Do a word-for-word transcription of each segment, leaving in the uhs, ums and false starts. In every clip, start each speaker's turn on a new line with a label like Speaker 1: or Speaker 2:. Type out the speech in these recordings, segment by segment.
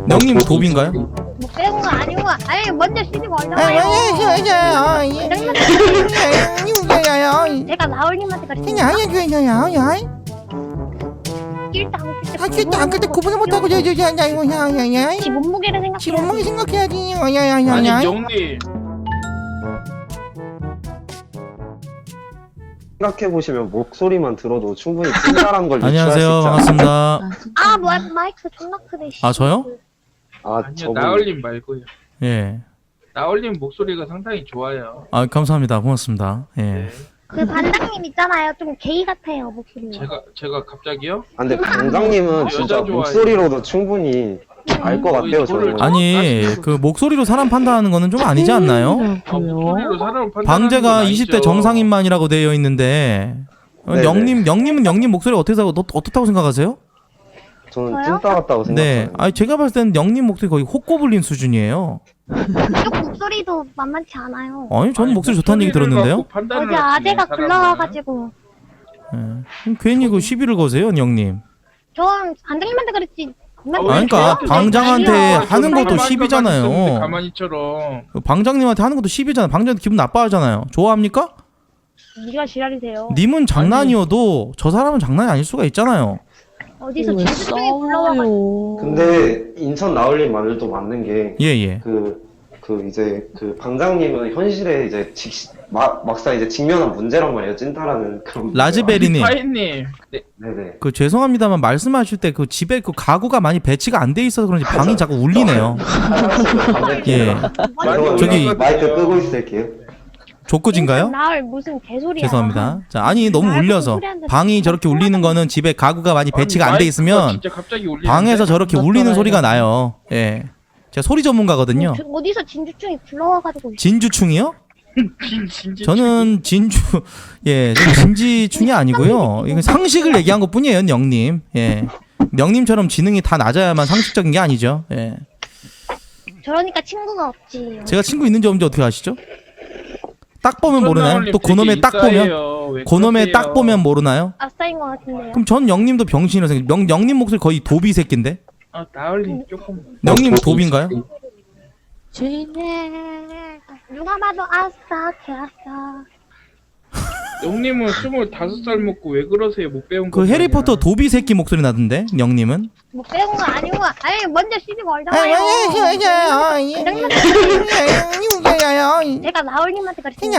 Speaker 1: 영님 도비인가요?
Speaker 2: 뭐 빼고 아니고 아니 먼저 시비 걸잖아요. 제가 나올님한테 그랬어요.
Speaker 1: 안 그때 구분을 못하고
Speaker 2: 지 몸무게를 생각해.
Speaker 1: 지 몸무게 생각해야지.
Speaker 3: 아니 영님
Speaker 4: 생각해보시면 목소리만 들어도 충분히 찐따란 걸 유추할 수
Speaker 1: 안녕하세요,
Speaker 4: 있잖아요.
Speaker 1: 반갑습니다.
Speaker 2: 아 뭐야 마이크 존나 크네. 씨.
Speaker 1: 아 저요?
Speaker 4: 아,
Speaker 3: 아니요
Speaker 4: 저분
Speaker 3: 나얼님 말고요.
Speaker 1: 예.
Speaker 3: 나얼님 목소리가 상당히 좋아요.
Speaker 1: 아 감사합니다, 고맙습니다. 예.
Speaker 3: 네.
Speaker 2: 그 반장님 있잖아요. 좀 게이 같아요 목소리.
Speaker 3: 제가 제가 갑자기요?
Speaker 4: 아, 근데 방장님은
Speaker 3: 여자
Speaker 4: 진짜
Speaker 3: 좋아해요.
Speaker 4: 목소리로도 충분히 알 것 같아요, 저는.
Speaker 1: 아니 그 목소리로 사람 판단하는 거는 좀 아니지 않나요?
Speaker 3: 아, 목소리로 사람을 판단하는
Speaker 1: 방제가
Speaker 3: 건
Speaker 1: 이십 대
Speaker 3: 아니죠.
Speaker 1: 정상인만이라고 되어 있는데 어,
Speaker 4: 네네.
Speaker 1: 영님 영님은 영님 목소리 어떻게 생각 어떻다고 생각하세요?
Speaker 4: 저는
Speaker 2: 저요?
Speaker 4: 찐따 같다고
Speaker 1: 네.
Speaker 4: 생각해요.
Speaker 1: 아니 제가 봤을 때는 영님 목소리 거의 호꼬불린 수준이에요.
Speaker 2: 이쪽 목소리도 만만치 않아요.
Speaker 1: 아니 저는 목소리 좋다는 얘기
Speaker 3: 목소리를
Speaker 1: 들었는데요.
Speaker 3: 갖고 판단을
Speaker 2: 어제
Speaker 3: 하시네,
Speaker 2: 아재가
Speaker 3: 사람은.
Speaker 2: 불러와가지고
Speaker 1: 예. 그럼 괜히 그 시비를 거세요, 영님.
Speaker 2: 전 반장님한테 그랬지.
Speaker 3: 아,
Speaker 1: 아니, 그러니까
Speaker 3: 저한테
Speaker 1: 방장한테
Speaker 3: 아니요.
Speaker 1: 하는 것도
Speaker 3: 가만히
Speaker 1: 시비잖아요.
Speaker 3: 있었는데 가만히처럼
Speaker 1: 그 방장님한테 하는 것도 시비잖아. 방장한테 기분 나빠하잖아요. 좋아합니까?
Speaker 2: 네가 지랄이세요.
Speaker 1: 님은 장난이어도 저 사람은 장난이 아닐 수가 있잖아요.
Speaker 2: 어디서 진수중에 불러와가지고.
Speaker 4: 근데 인천 나올림 말도 맞는 게
Speaker 1: 예예.
Speaker 4: 그, 그 이제 그 방장님은 현실에 이제 직, 막, 막상 이제 직면한 문제란 말이에요. 찐따라는 그런.
Speaker 1: 라즈베리님.
Speaker 3: 파이님 네.
Speaker 4: 네네.
Speaker 1: 그 죄송합니다만 말씀하실 때 그 집에 그 가구가 많이 배치가 안 돼 있어서 그런지 방이 자꾸 울리네요. 예.
Speaker 4: 저기
Speaker 1: 저기-
Speaker 4: 마이크 끄고 있을게요.
Speaker 1: 족구진가요?
Speaker 2: 나을 무슨 개소리야.
Speaker 1: 죄송합니다. 자, 아니 너무
Speaker 2: 날
Speaker 1: 울려서
Speaker 2: 소리 안
Speaker 1: 방이 저렇게 울리는 거는 집에 가구가 많이 배치가 안 돼 있으면
Speaker 3: 진짜 갑자기 울리는데?
Speaker 1: 방에서 저렇게 울리는 소리가 나요. 예. 제가 소리 전문가거든요.
Speaker 2: 저- 어디서 진주충이 불러와가지고.
Speaker 1: 진주충이요?
Speaker 3: 진- 진짜
Speaker 1: 저는 진주 예, 저는 진지충이 아니고요. 이건 상식을 얘기한 것뿐이에요, 영님. 예. 영님처럼 지능이 다 낮아야만 상식적인 게 아니죠. 예.
Speaker 2: 저러니까 친구가 없지.
Speaker 1: 제가 친구 있는지 없는지 어떻게 아시죠? 딱 보면 모르나요?
Speaker 3: 나얼님
Speaker 1: 또
Speaker 3: 되게
Speaker 1: 그놈의 딱 보면
Speaker 3: 인싸예요. 왜
Speaker 1: 그놈의
Speaker 3: 그러세요?
Speaker 1: 딱 보면 모르나요?
Speaker 2: 아싸인 것 같은데요.
Speaker 1: 그럼 전 영님도 병신이라 생각. 명 영님 목소리 거의 도비 새끼인데.
Speaker 3: 아 나얼님 조금
Speaker 1: 영님 도비인가요?
Speaker 2: 네. 누가 봐도 아싸 개아싸.
Speaker 3: 영님은 스물다섯 살 먹고 왜 그러세요? 못 배운 거
Speaker 1: 그 해리포터 도비 새끼 목소리 나던데. 영님은?
Speaker 2: 뭐 빼고 거 아니고 아니 먼저 시비 걸잖아요. 제가 나올님한테 그랬어요.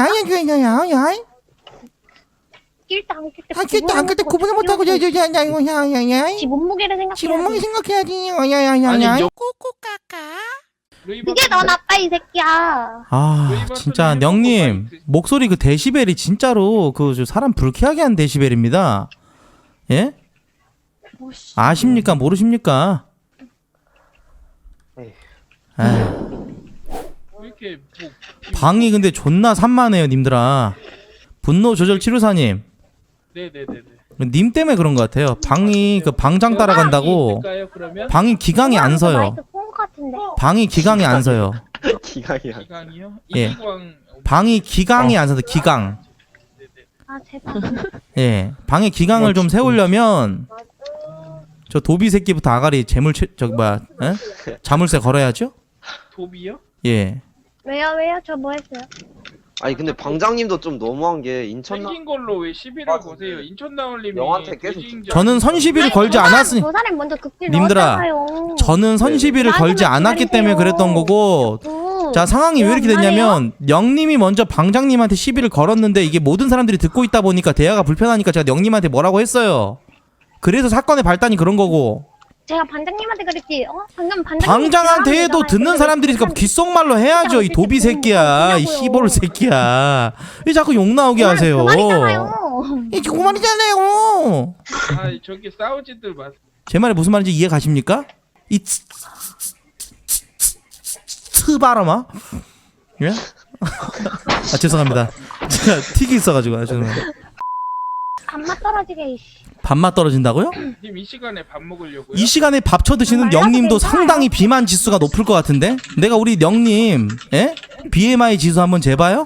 Speaker 2: 낄때 안 낄때
Speaker 1: 안 그때 구분을 못하고
Speaker 2: 지 몸무게를 생각해.
Speaker 1: 생각해야지.
Speaker 3: 아니 영...
Speaker 2: 그게 너 나빠 이 새끼야.
Speaker 1: 아 진짜 영님 목소리 그 데시벨이 진짜로 그 저 사람 불쾌하게 한 데시벨입니다. 예? 아십니까 모르십니까? 아,
Speaker 3: 왜 이렇게 뭐...
Speaker 1: 방이 근데 존나 산만해요 님들아. 분노 조절 치료사님
Speaker 3: 네네네네
Speaker 1: 님 때문에 그런 것 같아요. 방이 그 방장 따라간다고
Speaker 3: 있을까요, 그러면?
Speaker 1: 방이 기강이 안 서요.
Speaker 2: 마이크 폰것 같은데.
Speaker 1: 방이 기강이 안 서요.
Speaker 4: 기강이야.
Speaker 3: 기강이요?
Speaker 1: 예.
Speaker 3: 이기광
Speaker 1: 방이 기강이 안 서서 기강.
Speaker 2: 아 제발.
Speaker 1: 예, 방에 기강을 좀 세우려면 저 도비 새끼부터 아가리 재물 채, 저기 뭐야, 에? 자물쇠 걸어야죠?
Speaker 3: 도비요?
Speaker 1: 예.
Speaker 2: 왜요 왜요 저 뭐 했어요?
Speaker 4: 아니 근데 방장님도 좀 너무한 게 인천 나
Speaker 3: 생긴 걸로 왜 시비를 거세요? 인천 나올님이
Speaker 4: 영한테 계속
Speaker 3: 돼지인지
Speaker 1: 저는
Speaker 3: 아니면-
Speaker 1: 선시비를 걸지
Speaker 2: 저 사람-
Speaker 1: 않았으니
Speaker 2: 저 사람 먼저 극딜
Speaker 1: 님들아,
Speaker 2: 넣었잖아요.
Speaker 1: 저는 선시비를 걸지 않았기 때문에 그랬던 거고.
Speaker 2: 어.
Speaker 1: 자, 상황이 왜 이렇게 됐냐면 영님이 먼저 방장님한테 시비를 걸었는데 이게 모든 사람들이 듣고 있다 보니까 대화가 불편하니까 제가 영님한테 뭐라고 했어요. 그래서 사건의 발단이 그런 거고.
Speaker 2: 제가 반장님한테 그랬지. 어 방금 반장님
Speaker 1: 방장한테 해도 듣는 사람들이 그 귓속말로 해야죠. 이 도비 새끼야, 이 시볼 새끼야. 왜 자꾸 욕 나오게 하세요?
Speaker 2: 그 말이잖아요.
Speaker 1: 이 그 말이잖아요.
Speaker 3: 아 저기 싸우지들 마.
Speaker 1: 제 말이 무슨 말인지 이해 가십니까? 이 츠, 츠 바람아? 예? 아 죄송합니다. 제가 틱이 있어가지고 아, 죄송합니다.
Speaker 2: 밥맛 떨어지게 이씨.
Speaker 1: 밥맛 떨어진다고요?
Speaker 3: 님 이 시간에 밥 먹으려고요?
Speaker 1: 이 시간에 밥 쳐드시는 영님도 상당히 비만 지수가 높을 것 같은데? 내가 우리 영님, 예? 비엠아이 지수 한번 재봐요?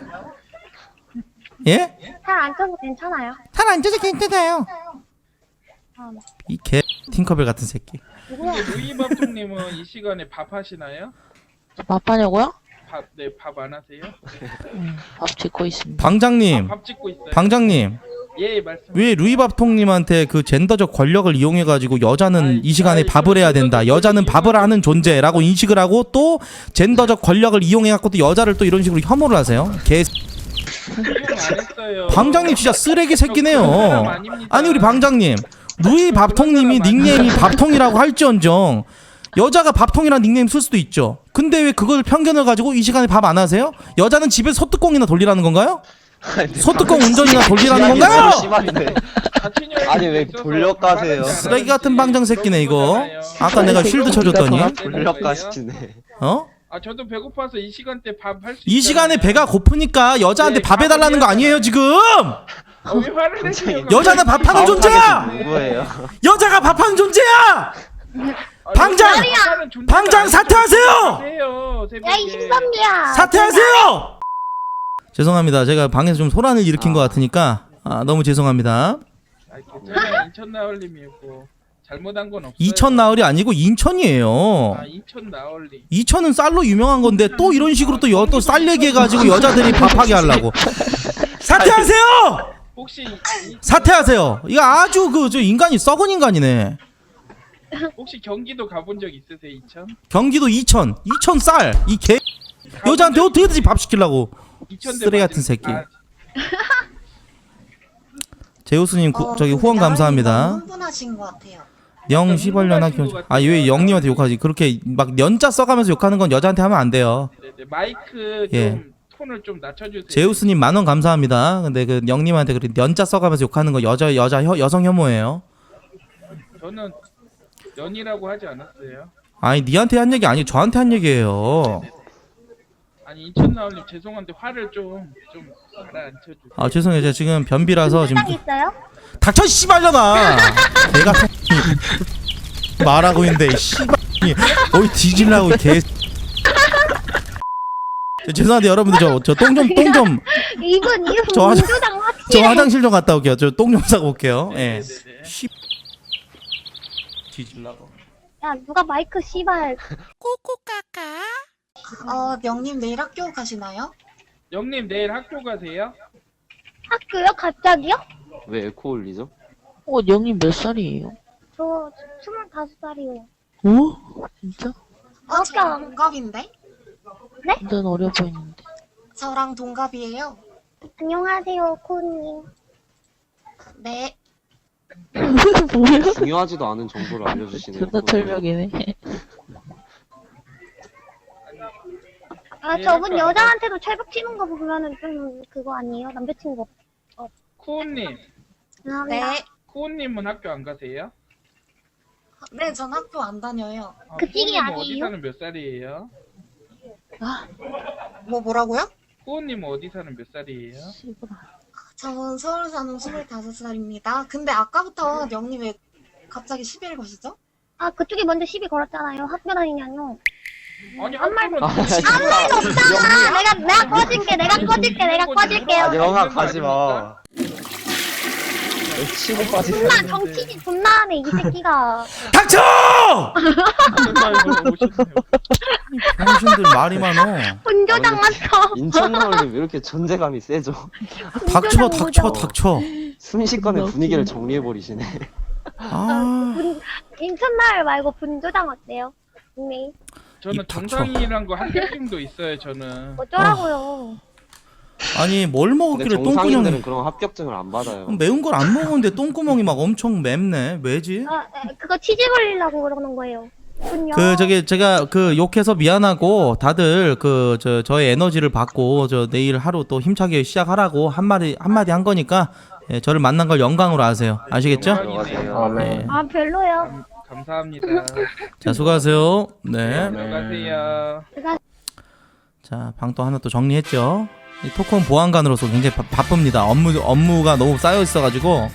Speaker 1: 예?
Speaker 2: 살안 쪄서 괜찮아요.
Speaker 1: 살 안 쪄서 괜찮아요.
Speaker 2: 아,
Speaker 1: 이 개 팅커벨 같은 새끼.
Speaker 3: 근데 루이밥통님은 이 시간에 밥 하시나요?
Speaker 5: 밥하냐고요?
Speaker 3: 밥, 네, 밥 안 하세요?
Speaker 5: 음, 밥 짓고 있습니다.
Speaker 1: 방장님,
Speaker 3: 아, 밥 짓고 있어요.
Speaker 1: 방장님.
Speaker 3: 예, 말씀.
Speaker 1: 왜 루이밥통님한테 그 젠더적 권력을 이용해가지고 여자는
Speaker 3: 아이,
Speaker 1: 이 시간에
Speaker 3: 아이,
Speaker 1: 밥을 해야 된다,
Speaker 3: 젠더적
Speaker 1: 여자는
Speaker 3: 권력을
Speaker 1: 밥을 하는 존재라고 인식을 하고 또 젠더적 권력을 이용해갖고 또 여자를 또 이런 식으로 혐오를 하세요. 개
Speaker 3: 이용 안 했어요.
Speaker 1: 방장님 진짜 쓰레기
Speaker 3: 저 그런 사람
Speaker 1: 새끼네요.
Speaker 3: 아닙니다.
Speaker 1: 아니 우리 방장님, 루이밥통님이 닉네임이 밥통이라고 할지언정 여자가 밥통이라는 닉네임 쓸 수도 있죠. 근데 왜 그걸 편견을 가지고 이 시간에 밥 안 하세요? 여자는 집에서 소뚜껑이나 돌리라는 건가요? 소뚜껑 운전이나 돌리라는 건가요?
Speaker 4: 심한데.
Speaker 3: 자취녀
Speaker 4: 아니, 왜
Speaker 3: 있어서
Speaker 4: 돌려가세요?
Speaker 3: 밥
Speaker 1: 쓰레기 같은
Speaker 3: 하는지
Speaker 1: 방장 새끼네 이거.
Speaker 3: 그런
Speaker 1: 아까 내가 쉴드 쳐줬더니
Speaker 4: 돌려가시네.
Speaker 1: 어?
Speaker 3: 아 저도 배고파서 이 시간대 밥 할 수
Speaker 1: 이 시간에 배가 고프니까 여자한테
Speaker 3: 네,
Speaker 1: 밥 해달라는 거 아니에요 지금?
Speaker 3: 아, 왜 화를 내세요?
Speaker 1: 여자는 밥하는 존재야!
Speaker 4: 누구예요?
Speaker 1: 여자가 밥하는 존재야! 방장! 방장 사퇴하세요!
Speaker 2: 야, 이 신선미야.
Speaker 1: 사퇴하세요! 죄송합니다. 제가 방에서 좀 소란을 일으킨 것 같으니까 아, 너무 죄송합니다.
Speaker 3: 아, 괜찮아요. 인천 나얼님이고 잘못한 건 없어요.
Speaker 1: 이천 나흘이 아니고 인천이에요.
Speaker 3: 아 인천 나얼님.
Speaker 1: 이천은 쌀로 유명한 건데 또 이런 식으로 또 여 또 쌀 얘기해가지고 여자들이 밥하게 하려고. 사퇴하세요!
Speaker 3: 혹시 이-
Speaker 1: 사퇴하세요. 이거 아주 그 저 인간이 썩은 인간이네.
Speaker 3: 혹시 경기도 가본 적 있으세요? 이천?
Speaker 1: 경기도 이천, 이천 쌀. 이 개 여자한테 어떻게든지 밥 시키려고.
Speaker 3: 이천대
Speaker 1: 쓰레기 같은
Speaker 3: 맞은-
Speaker 1: 새끼.
Speaker 3: 아,
Speaker 1: 제우스님 구-
Speaker 6: 어,
Speaker 1: 저기
Speaker 6: 근데
Speaker 1: 후원
Speaker 6: 나은이
Speaker 1: 감사합니다.
Speaker 6: 너무 흥분하신 것 같아요.
Speaker 1: 영 시벌년 학교. 아니 왜 영님한테 욕하지? 그렇게 막 연자 써가면서 욕하는 건 여자한테 하면 안 돼요.
Speaker 3: 네네. 마이크
Speaker 1: 예.
Speaker 3: 좀 톤을 좀 낮춰주세요.
Speaker 1: 제우스님 만원 감사합니다. 근데 그 영님한테 그렇게 연자 써가면서 욕하는 거 여자 여자 혀, 여성 혐오예요.
Speaker 3: 저는 연이라고 하지 않았어요.
Speaker 1: 아니 니한테 한 얘기 아니고 저한테 한 얘기예요.
Speaker 3: 아니 인천 나얼님 죄송한데 화를 좀 좀 가라앉혀주세요.
Speaker 1: 아 죄송해요. 제가 지금 변비라서 지금
Speaker 2: 딱 있어요?
Speaker 1: 닥쳐 씨발려나. 내가 말하고 있는데 이 씨발이 어이 뒤질라고 개. 저, 죄송한데 여러분들 저 저 똥 좀 똥 좀
Speaker 2: 이분 이분
Speaker 1: 저 화장-
Speaker 2: 민주당
Speaker 1: 저
Speaker 2: 확실해.
Speaker 1: 화장실 좀 갔다 올게요. 저 똥 좀 싸고 올게요. 예.
Speaker 3: 네네네.
Speaker 1: 씨 뒤질라고.
Speaker 2: 야 누가 마이크 씨발.
Speaker 6: 어, 명님 내일 학교 가시나요?
Speaker 3: 영님 내일 학교 가세요?
Speaker 2: 학교요? 갑자기요?
Speaker 4: 왜 에코 올리죠?
Speaker 5: 어, 영님 몇 살이에요?
Speaker 2: 저 스물다섯 살이요.
Speaker 5: 오? 진짜?
Speaker 6: 어, 저랑 동갑인데?
Speaker 5: 완전 어려 보이는데.
Speaker 6: 저랑 동갑이에요.
Speaker 2: 안녕하세요 코님.
Speaker 6: 네.
Speaker 5: 뭐야?
Speaker 4: 중요하지도 않은 정보를 알려주시네요.
Speaker 5: 존나 철벽이네.
Speaker 2: 아
Speaker 3: 예,
Speaker 2: 저분
Speaker 3: 할까?
Speaker 2: 여자한테도 철벽 치는 거 보면은 좀 그거 아니에요? 남자친구.
Speaker 3: 쿠우님,
Speaker 2: 죄송합니다.
Speaker 6: 네.
Speaker 3: 쿠우님은 학교 안 가세요?
Speaker 6: 네, 전 학교 안 다녀요.
Speaker 3: 아,
Speaker 2: 그 띠기
Speaker 3: 쿠우님은 어디
Speaker 2: 아니에요?
Speaker 3: 사는 몇 살이에요?
Speaker 6: 뭐 뭐라고요?
Speaker 3: 쿠우님은 어디 사는 몇 살이에요?
Speaker 5: 씨부라.
Speaker 6: 저는 서울 사는 스물다섯 살입니다. 근데 아까부터 명님 왜 갑자기 시비를 거시죠?
Speaker 2: 아 그쪽이 먼저 시비 걸었잖아요. 학교 다니냐뇨.
Speaker 3: 아니 한 말은
Speaker 4: 아, 진짜.
Speaker 2: 아 내가 내가 꺼질게 내가 꺼질게 내가 꺼질게요.
Speaker 4: 아, 영아 가지 마. 치고 빠지네.
Speaker 2: 존나 정치지 존나 하네 이 새끼가.
Speaker 1: 닥쳐!
Speaker 3: 오셨네요.
Speaker 1: 당신들 말이 많어.
Speaker 2: 분조장 맞어.
Speaker 4: 인천 나올님 왜 이렇게 존재감이 세죠?
Speaker 1: 닥쳐 닥쳐 닥쳐.
Speaker 4: 순식간에 분위기를 정리해버리시네.
Speaker 1: 아
Speaker 2: 분 인천마을 말고 분조장 어때요? 네.
Speaker 3: 저는
Speaker 1: 입 닥쳐.
Speaker 3: 정상이란 거 합격증도 있어요. 저는.
Speaker 2: 어쩌라고요.
Speaker 1: 아니 뭘
Speaker 4: 근데
Speaker 1: 먹었길래
Speaker 4: 정상인들은
Speaker 1: 똥구멍이
Speaker 4: 그런 합격증을 안 받아요.
Speaker 1: 매운 걸 안 먹었는데 똥구멍이 막 엄청 맵네. 왜지?
Speaker 2: 아 에, 그거 치즈 걸리려고 그러는 거예요. 군요.
Speaker 1: 그 저기 제가 그 욕해서 미안하고 다들 그 저 저의 에너지를 받고 저 내일 하루 또 힘차게 시작하라고 한 마디 한 마디 한 거니까 예, 저를 만난 걸 영광으로 아세요. 아시겠죠?
Speaker 4: 들어가세요.
Speaker 1: 네.
Speaker 2: 아 별로요.
Speaker 3: 감사합니다.
Speaker 1: 자 수고하세요. 네.
Speaker 3: 들어가세요.
Speaker 1: 자 방 또 하나 또 정리했죠. 이 토크온 보안관으로서 굉장히 바, 바쁩니다. 업무 업무가 너무 쌓여 있어가지고.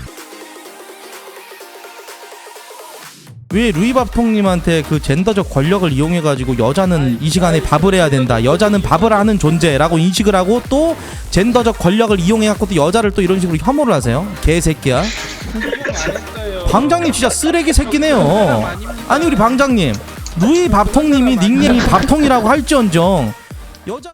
Speaker 1: 왜 루이밥통님한테 그 젠더적 권력을 이용해가지고 여자는 이 시간에 밥을 해야 된다, 여자는 밥을 하는 존재라고 인식을 하고 또 젠더적 권력을 이용해갖고 또 여자를 또 이런 식으로 혐오를 하세요. 개새끼야.
Speaker 3: 이용 안 했어요.
Speaker 1: 방장님 진짜 쓰레기 새끼네요. 아니 우리 방장님 루이 밥통님이 닉네임이 밥통이라고 할지언정 여자